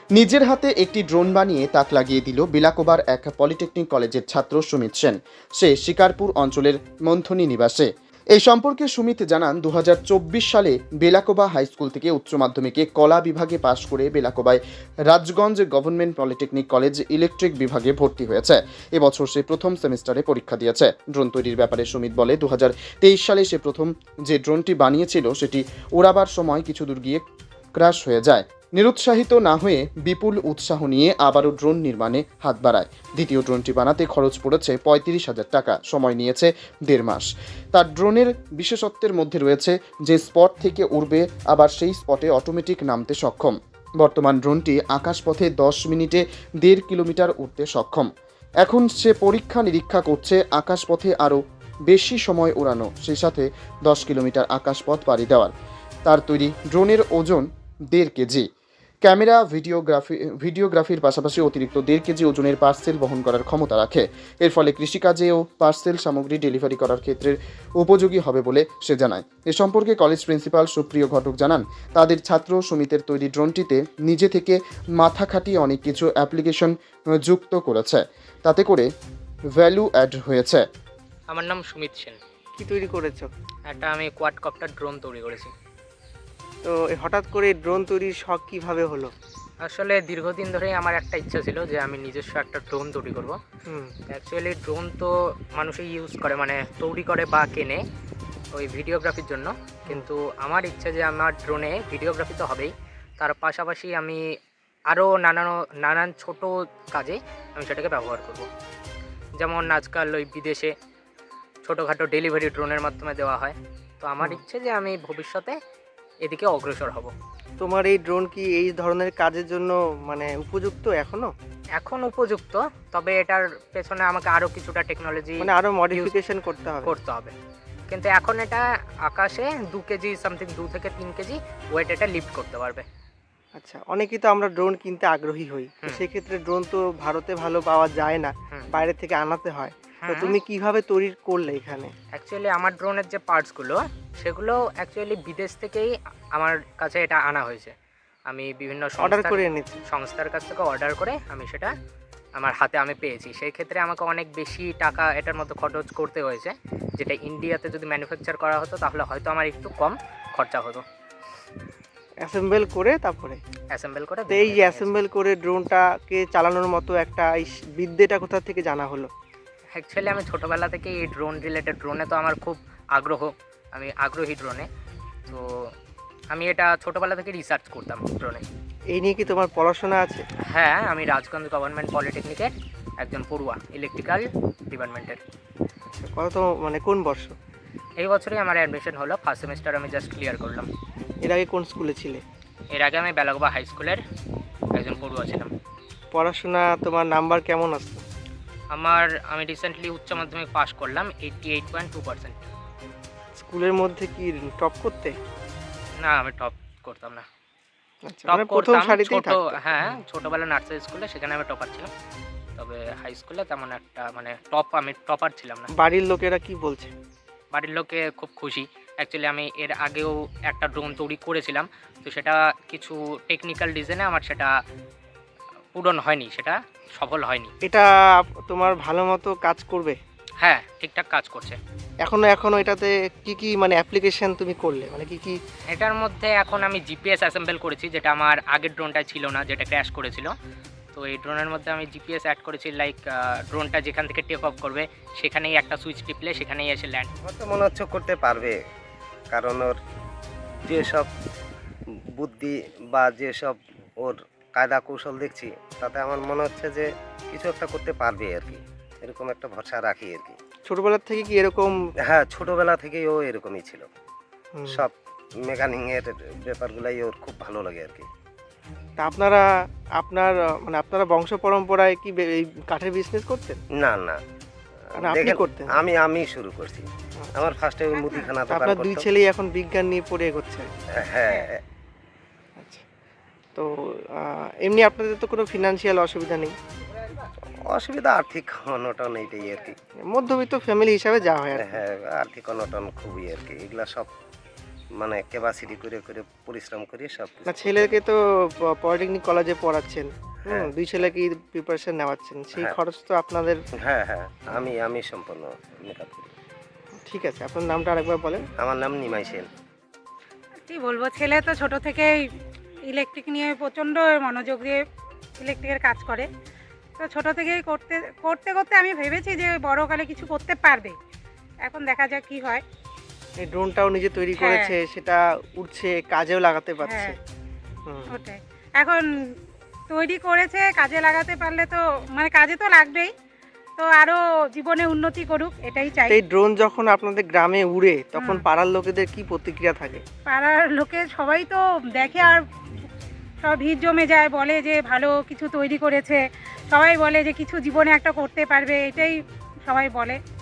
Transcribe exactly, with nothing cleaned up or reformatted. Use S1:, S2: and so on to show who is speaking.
S1: নিজের হাতে একটি ড্রোন বানিয়ে তাক লাগিয়ে দিল বেলাকোবার এক পলিটেকনিক কলেজের ছাত্র সুমিত সেন। সে শিকারপুর অঞ্চলের মন্থনী নিবাসে। এই সম্পর্কে সুমিত জানান, দু হাজার চব্বিশ সালে বেলাকোবা হাই স্কুল থেকে উচ্চ মাধ্যমিকে কলা বিভাগে পাশ করে বেলাকোবায় Rajganj government polytechnic college electric বিভাগে ভর্তি হয়েছে। এবছর সে প্রথম সেমিস্টারে পরীক্ষা দিয়েছে। ড্রোন তৈরির ব্যাপারে সুমিত বলে, দু হাজার তেইশ সালে সে প্রথম যে ড্রোনটি বানিয়েছিল সেটি ওড়াবার সময় কিছু দূর গিয়ে ক্র্যাশ হয়ে যায়। নিরুৎসাহিত না হয়ে বিপুল উৎসাহ নিয়ে আবারও ড্রোন নির্মাণে হাত বাড়ায়। দ্বিতীয় ড্রোনটি বানাতে খরচ পড়েছে পঁয়ত্রিশ হাজার টাকা, সময় নিয়েছে দেড় মাস। তার ড্রোনের বিশেষত্বের মধ্যে রয়েছে যে স্পট থেকে উড়বে আবার সেই স্পটে অটোমেটিক নামতে সক্ষম। বর্তমান ড্রোনটি আকাশপথে দশ মিনিটে দেড় কিলোমিটার উড়তে সক্ষম। এখন সে পরীক্ষা নিরীক্ষা করছে আকাশপথে আরও বেশি সময় উড়ানো, সেই সাথে দশ কিলোমিটার আকাশপথ পাড়ি দেওয়ার। তার তৈরি ড্রোনের ওজন দেড় কেজি। ক্যামেরা ভিডিওগ্রাফি ভিডিওগ্রাফির পাশাপাশি অতিরিক্ত দেড় কেজি ওজনের পার্সেল বহন করার ক্ষমতা রাখে। এর ফলে কৃষিকাজেও পার্সেল সামগ্রী ডেলিভারি করার ক্ষেত্রে উপযোগী হবে বলে সে জানায়। এ সম্পর্কে কলেজ প্রিন্সিপাল সুপ্রিয় ঘটক জানান, তাদের ছাত্র সুমিতের তৈরি ড্রোনটিতে নিজে থেকে মাথা খাটিয়ে অনেক কিছু অ্যাপ্লিকেশন যুক্ত করেছে, তাতে করে ভ্যালু অ্যাড হয়েছে।
S2: আমার নাম সুমিত সেন।
S3: কি তৈরি করেছো?
S2: একটা আমি কোয়াডকপ্টার ড্রোন তৈরি করেছি।
S3: তো এই হঠাৎ করে ড্রোন তৈরির শখ কিভাবে হলো?
S2: আসলে দীর্ঘদিন ধরেই আমার একটা ইচ্ছা ছিল যে আমি নিজস্ব একটা ড্রোন তৈরি করব।
S3: হুম
S2: অ্যাকচুয়ালি ড্রোন তো মানুষই ইউজ করে, মানে তৈরি করে বা কেনে ওই ভিডিওগ্রাফির জন্য, কিন্তু আমার ইচ্ছা যে আমার ড্রোনে ভিডিওগ্রাফি তো হবেই, তার পাশাপাশি আমি আরও নানান নানান ছোট কাজে আমি সেটাকে ব্যবহার করব। যেমন আজকাল ওই বিদেশে ছোটোখাটো ডেলিভারি ড্রোনের মাধ্যমে দেওয়া হয়। তো আমার ইচ্ছে যে আমি ভবিষ্যতে এদিকে অগ্রসর হব।
S3: তোমার এই ড্রোন কি এই ধরনের কাজের জন্য মানে উপযুক্ত এখনো?
S2: এখন উপযুক্ত, তবে এটার পেছনে আমাকে আরও কিছুটা টেকনোলজি
S3: মানে আরো মডিফিকেশন করতে হবে
S2: করতে হবে। কিন্তু এখন এটা আকাশে দু কেজি সামথিং, দু থেকে তিন কেজি ওয়েট এটা লিফট করতে পারবে।
S3: আচ্ছা, অনেকেই তো আমরা ড্রোন কিনতে আগ্রহী হই, তো
S2: হুম।
S3: সেক্ষেত্রে ড্রোন তো ভারতে ভালো পাওয়া যায় না,
S2: হুম।
S3: বাইরে থেকে আনাতে হয়। তো
S2: হুম।
S3: তুমি কিভাবে তৈরি করলে এখানে?
S2: অ্যাকচুয়ালি আমার ড্রোনের যে পার্টসগুলো সেগুলো অ্যাকচুয়ালি বিদেশ থেকেই আমার কাছে এটা আনা হয়েছে। আমি বিভিন্ন
S3: অর্ডার
S2: সংস্থার
S3: করে এনেছি।
S2: সংস্থার কাছ থেকে অর্ডার করে আমি সেটা আমার হাতে আমি পেয়েছি। সেই ক্ষেত্রে আমাকে অনেক বেশি টাকা এটার মধ্যে খরচ করতে হয়েছে, যেটা ইন্ডিয়াতে যদি ম্যানুফ্যাকচার করা হতো তাহলে হয়তো আমার একটু কম খরচা হতো।
S3: অ্যাসেম্বল করে তারপরে
S2: অ্যাসেম্বল করে
S3: তো এই অ্যাসেম্বল করে ড্রোনটাকে চালানোর মতো একটা এই বিদ্যেটা কোথা থেকে জানা হলো?
S2: অ্যাকচুয়ালি আমি ছোটোবেলা থেকে এই ড্রোন রিলেটেড, ড্রোনে তো আমার খুব আগ্রহ, আমি আগ্রহী ড্রোনে। তো আমি এটা ছোটোবেলা থেকে রিসার্চ করতাম ড্রোনে।
S3: এই নিয়ে কি তোমার পড়াশোনা আছে?
S2: হ্যাঁ, আমি রাজগঞ্জ গভর্নমেন্ট পলিটেকনিকের একজন পড়ুয়া, ইলেকট্রিক্যাল ডিপার্টমেন্টের।
S3: আচ্ছা, কত মানে কোন বর্ষ?
S2: এই বছরই আমার অ্যাডমিশন হলো, ফার্স্ট সেমিস্টার আমি জাস্ট ক্লিয়ার করলাম।
S3: এর আগে কোন স্কুলে ছিলে?
S2: এর আগে আমি বেলাগোবা হাই স্কুলের একজন পড়ুয়া ছিলাম।
S3: পড়াশোনা তোমার নাম্বার কেমন আসতো?
S2: আমার আমি রিসেন্টলি উচ্চ মাধ্যমিক পাস করলাম eighty eight point two percent.
S3: স্কুলের মধ্যে কি টপ করতে?
S2: না, আমি টপ করতাম না।
S3: আচ্ছা,
S2: টপ
S3: মানে প্রথম
S2: করতাম
S3: সারিতেই
S2: ছোট,
S3: থাকতে?
S2: হ্যাঁ ছোটোবেলা নার্সারি স্কুলে, সেখানে আমি টপার ছিলাম। তবে হাই স্কুলে তেমন একটা মানে টপ আমি টপার ছিলাম না।
S3: বাড়ির লোকেরা কি বলছে?
S2: বাড়ির লোকে খুব খুশি। অ্যাকচুয়ালি আমি এর আগেও একটা ড্রোন তৈরি করেছিলাম, তো সেটা কিছু টেকনিক্যাল রিজনে আমার সেটা পূরণ হয়নি, সেটা সফল হয়নি।
S3: এটা তোমার ভালো মতো কাজ করবে?
S2: হ্যাঁ, ঠিকঠাক কাজ করছে।
S3: এখনো এখনো এটাতে কি কি মানে অ্যাপ্লিকেশন তুমি করলে, মানে কি কি?
S2: এটার মধ্যে এখন আমি জিপিএস অ্যাসেম্বল করেছি, যেটা আমার আগের ড্রোনটা ছিল না, যেটা ক্র্যাশ করেছিল। তো এই ড্রোনের মধ্যে আমি জিপিএস অ্যাড করেছি, লাইক ড্রোনটা যেখান থেকে টেক অফ করবে সেখানেই একটা সুইচ টিপলে সেখানেই এসে ল্যান্ড।
S4: আমার তো মনে হচ্ছে করতে পারবে, কারণ ওর যেসব বুদ্ধি বা যেসব ওর কায়দা কৌশল দেখছি, তাতে আমার মনে হচ্ছে যে কিছু একটা করতে পারবে আর কি, এরকম একটা ভরসা রাখি আর কি।
S3: ছোটবেলা থেকে কি এরকম?
S4: হ্যাঁ, ছোটোবেলা থেকেই ও এরকমই ছিল।
S3: হুম।
S4: সব মেকানিংয়ের ব্যাপারগুলাই ওর খুব ভালো লাগে আর কি।
S3: তা আপনারা আপনার মানে আপনারা বংশ পরম্পরায় কি বে- এই কাঠের বিজনেস করতেন?
S4: না না,
S3: মানে আপনি
S4: দেখেন,
S3: করতেন?
S4: আমি আমি শুরু করছি। আমার ফার্স্টে ওই মুদিখানা
S3: তা
S4: দোকান
S3: আপনার দুই
S4: করতো।
S3: ছেলেই এখন বিজ্ঞান নিয়ে পড়ে এগোচ্ছে।
S4: হ্যাঁ,
S3: আচ্ছা, তো আহ, এমনি আপনাদের তো কোনো ফিনান্সিয়াল অসুবিধা নেই?
S4: অসুবিধা আর্থিক অনটন এইটাই আর কি।
S3: মধ্যবিত্ত ফ্যামিলি হিসাবে যা হয় আর কি।
S4: হ্যাঁ, আর্থিক অনটন খুবই আর কি, এগুলা সব মানে ক্যাপাসিটি করে করে পরিশ্রম করে সব কিছু
S3: না
S4: করতে
S3: ছেলেকে তো পলিটেকনিক কলেজে পড়াচ্ছেন, হুম,
S4: হ্যাঁ।
S3: দুই ছেলেকে প্রিপারেশন নেওয়াচ্ছেন, সেই
S4: হ্যাঁ।
S3: খরচ তো আপনাদের।
S4: হ্যাঁ হ্যাঁ আমি আমি সম্পূর্ণ মেকআপ করি।
S3: ঠিক আছে, আপনার নামটা আরেকবার বলেন।
S4: আমার নাম নিমাই সেন।
S5: কি বলবো, ছেলে তো ছোট থেকেই ইলেকট্রিক নিয়ে প্রচণ্ড মনোযোগ দিয়ে ইলেকট্রিকের কাজ করে। তো ছোট থেকেই করতে করতে করতে আমি ভেবেছি যে বড়কালে কিছু করতে পারবে। এখন দেখা যাক কি হয়।
S3: এই ড্রোনটাও নিজে তৈরি
S5: হ্যাঁ।
S3: করেছে, সেটা উঠছে, কাজেও লাগাতে পারছে।
S5: হ্যাঁ।
S3: হুম।
S5: ওটাই, এখন তৈরি করেছে, কাজে লাগাতে পারলে তো মানে কাজে তো লাগবেই, তো আরও জীবনে উন্নতি করুক এটাই চাই।
S3: তো এই ড্রোন যখন আপনাদের গ্রামে উড়ে তখন
S5: হুম।
S3: পাড়ার লোকেদের কি প্রতিক্রিয়া থাকে?
S5: পাড়ার লোকে সবাই তো দেখে আর সব ভিড় জমে যায়, বলে যে ভালো কিছু তৈরি করেছে, সবাই বলে যে কিছু জীবনে একটা করতে পারবে, এটাই সবাই বলে।